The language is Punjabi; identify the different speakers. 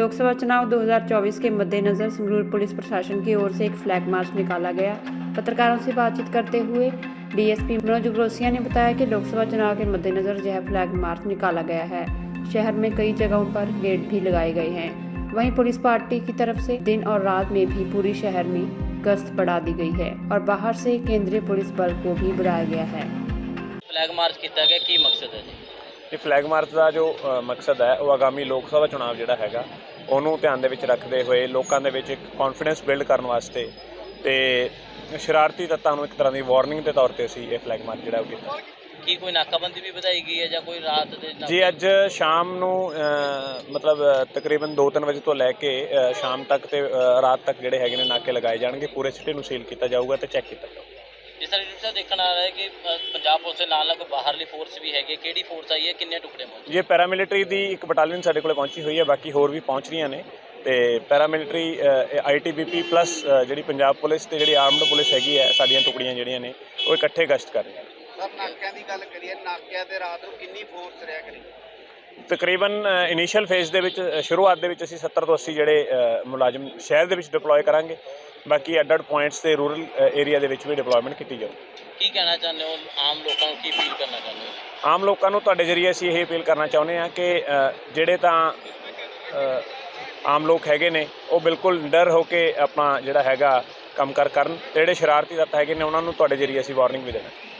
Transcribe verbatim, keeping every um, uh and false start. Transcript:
Speaker 1: लोकसभा चुनाव दो हज़ार चौबीस के मद्देनज़र संगरूर पुलिस प्रशासन की ओर से एक फ्लैग मार्च निकाला गया। पत्रकारों से बातचीत करते हुए डीएसपी मनोज ग्रोसिया ने बताया कि लोकसभा चुनाव के मद्देनज़र यह फ्लैग मार्च निकाला गया है। शहर में कई जगहों पर गेट भी लगाए गए हैं। वहीं पुलिस पार्टी की तरफ से दिन और रात में भी पूरी शहर में गश्त बढ़ा दी गई है और बाहर से केंद्रीय पुलिस बल को भी बुलाया गया है।
Speaker 2: फ्लैग मार्च किया गया, की मकसद है जी?
Speaker 3: ਇਹ ਫਲੈਗ ਮਾਰਚ ਦਾ ਜੋ ਅ, ਮਕਸਦ ਹੈ ਉਹ ਆਗਾਮੀ ਲੋਕ ਸਭਾ ਚੁਣਾਵ ਜਿਹੜਾ ਹੈਗਾ ਉਹਨੂੰ ਧਿਆਨ ਦੇ ਵਿੱਚ ਰੱਖਦੇ ਹੋਏ ਲੋਕਾਂ ਦੇ ਵਿੱਚ ਇੱਕ ਕੌਨਫੀਡੈਂਸ ਬਿਲਡ ਕਰਨ ਵਾਸਤੇ ਤੇ ਸ਼ਰਾਰਤੀ ਤੱਤਾਂ ਨੂੰ ਇੱਕ ਤਰ੍ਹਾਂ ਦੀ ਵਾਰਨਿੰਗ ਦੇ ਤੌਰ ਤੇ ਅਸੀਂ ਇਹ ਫਲੈਗ ਮਾਰਚ ਜਿਹੜਾ ਉਹ ਕੀਤਾ।
Speaker 2: ਕੀ ਕੋਈ ਨਾਕਾਬੰਦੀ ਵੀ ਵਧਾਈ ਗਈ ਹੈ ਜਾਂ ਕੋਈ ਰਾਤ ਦੇ ਨਾਕੇ?
Speaker 3: ਜੀ ਅੱਜ ਸ਼ਾਮ ਨੂੰ ਅ, ਮਤਲਬ ਅ, ਤਕਰੀਬਨ ਦੋ ਤਿੰਨ ਵਜੇ ਤੋਂ ਲੈ ਕੇ ਅ, ਸ਼ਾਮ ਤੱਕ ਤੇ ਅ, ਰਾਤ ਤੱਕ ਜਿਹੜੇ ਹੈਗੇ ਨੇ ਨਾਕੇ ਲਗਾਏ ਜਾਣਗੇ। ਪੂਰੇ ਸਿਟੀ ਨੂੰ ਸੀਲ ਕੀਤਾ ਜਾਊਗਾ ਤੇ ਚੈੱਕ ਕੀਤਾ ਜਾਊਗਾ।
Speaker 2: ਜਿਸ ਤਰ੍ਹਾਂ ਤੁਸੀਂ ਦੇਖਣ ਆ ਰਿਹਾ ਹੈ ਕਿ ਅ, ਪੰਜਾਬ ਪੁਲਿਸ ਦੇ ਨਾਲ ਨਾਲ ਬਾਹਰਲੀ ਫੋਰਸ ਵੀ ਹੈਗੀ, ਕਿਹੜੀ ਫੋਰਸ ਆਈ ਹੈ, ਕਿੰਨੇ ਟੁਕੜੇ ਪਹੁੰਚੇ?
Speaker 3: ਇਹ ਪੈਰਾਮਿਲਟਰੀ ਦੀ ਇੱਕ ਬਟਾਲੀਅਨ ਸਾਡੇ ਕੋਲ ਪਹੁੰਚੀ ਹੋਈ ਹੈ, ਬਾਕੀ ਹੋਰ ਵੀ ਪਹੁੰਚ ਰਹੀਆਂ ਨੇ ਤੇ paramilitary I T B P plus ਜਿਹੜੀ ਪੰਜਾਬ ਪੁਲਿਸ ਤੇ ਜਿਹੜੀ ਆਰਮਡ ਪੁਲਿਸ ਹੈਗੀ ਹੈ ਸਾਡੀਆਂ ਟੁਕੜੀਆਂ ਜਿਹੜੀਆਂ ਨੇ ਉਹ ਇਕੱਠੇ ਗਸ਼ਤ ਕਰ ਰਹੀਆਂ ਨੇ।
Speaker 4: ਸਰ ਨਾਕਿਆਂ ਦੀ ਗੱਲ ਕਰੀਏ, ਨਾਕਿਆਂ ਤੇ ਰਾਤ ਨੂੰ ਕਿੰਨੀ ਫੋਰਸ ਰਿਹਾ ਕਰੀ?
Speaker 3: ਤਕਰੀਬਨ ਇਨੀਸ਼ੀਅਲ ਫੇਜ਼ ਦੇ ਵਿੱਚ ਸ਼ੁਰੂਆਤ ਦੇ ਵਿੱਚ ਅਸੀਂ ਸੱਤਰ ਤੋਂ ਅੱਸੀ ਜਿਹੜੇ ਅ, ਮੁਲਾਜ਼ਮ ਸ਼ਹਿਰ ਦੇ ਵਿੱਚ ਡਿਪਲੋਏ ਕਰਾਂਗੇ। ਬਾਕੀ ਅੱਡ ਅੱਡ ਪੁਆਇੰਟਸ ਤੇ ਰੂਰਲ ਏਰੀਆ ਦੇ ਵਿੱਚ ਵੀ ਡਿਪਲੋਇਮੈਂਟ ਕੀਤੀ ਜਾਊਗੀ।
Speaker 2: ਕੀ ਕਹਿਣਾ ਚਾਹੁੰਦੇ ਹੋ ਆਮ ਲੋਕਾਂ ਨੂੰ, ਕੀ ਅਪੀਲ ਕਰਨਾ ਚਾਹੁੰਦੇ ਹੋ?
Speaker 3: ਆਮ ਲੋਕਾਂ ਨੂੰ ਤੁਹਾਡੇ ਜ਼ਰੀਏ ਅਸੀਂ ਇਹ ਅਪੀਲ ਕਰਨਾ ਚਾਹੁੰਦੇ ਹਾਂ ਕਿ ਅ, ਜਿਹੜੇ ਤਾਂ ਅ, ਆਮ ਲੋਕ ਹੈਗੇ ਨੇ ਉਹ ਬਿਲਕੁਲ ਡਰ ਹੋ ਕੇ ਆਪਣਾ ਜਿਹੜਾ ਹੈਗਾ ਕੰਮ ਕਰ ਕਰਨ ਤੇ ਜਿਹੜੇ ਸ਼ਰਾਰਤੀ ਤੱਤ ਹੈਗੇ ਨੇ ਉਹਨਾਂ ਨੂੰ ਤੁਹਾਡੇ ਜ਼ਰੀਏ ਅਸੀਂ ਵਾਰਨਿੰਗ ਵੀ ਦੇਣਾ।